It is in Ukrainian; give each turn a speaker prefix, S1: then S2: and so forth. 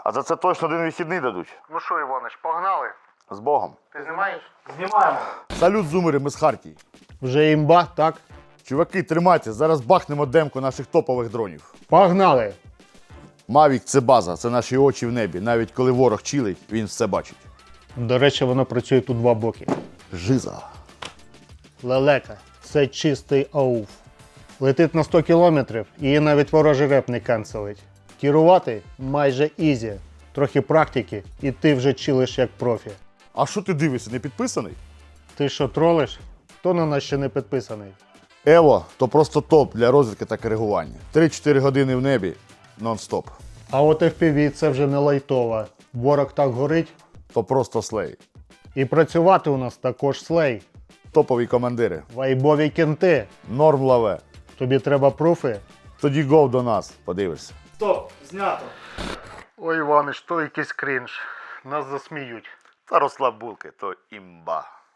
S1: А за це точно один вихідний дадуть.
S2: Ну що, Іванич, погнали?
S1: З Богом.
S2: Ти знімаєш? Знімаємо.
S1: Салют, зумери, ми з Хартії.
S3: Вже імба, так?
S1: Чуваки, тримайте, зараз бахнемо демку наших топових дронів.
S3: Погнали!
S1: Мавік – це база, це наші очі в небі. Навіть коли ворог чилить, він все бачить.
S3: До речі, воно працює тут два боки.
S1: Жиза.
S3: Лелека – це чистий ауф. Летить на 100 кілометрів, її навіть ворожий реп не канцелить. Керувати майже ізі. Трохи практики, і ти вже чилиш як профі.
S1: А що ти дивишся, не підписаний?
S3: Ти що, тролиш? Хто на нас ще не підписаний?
S1: Ево – то просто топ для розвідки та коригування. 3-4 години в небі нон-стоп.
S3: А от FPV – це вже не лайтова. Ворог так горить.
S1: То просто слей.
S3: І працювати у нас також слей.
S1: Топові командири.
S3: Вайбові кінти.
S1: Норм лаве.
S3: Тобі треба пруфи?
S1: Тоді гов до нас, подивишся.
S3: Стоп, знято.
S2: Ой, Іванич, то якийсь крінж. Нас засміють.
S1: Та розслаб булки, то імба.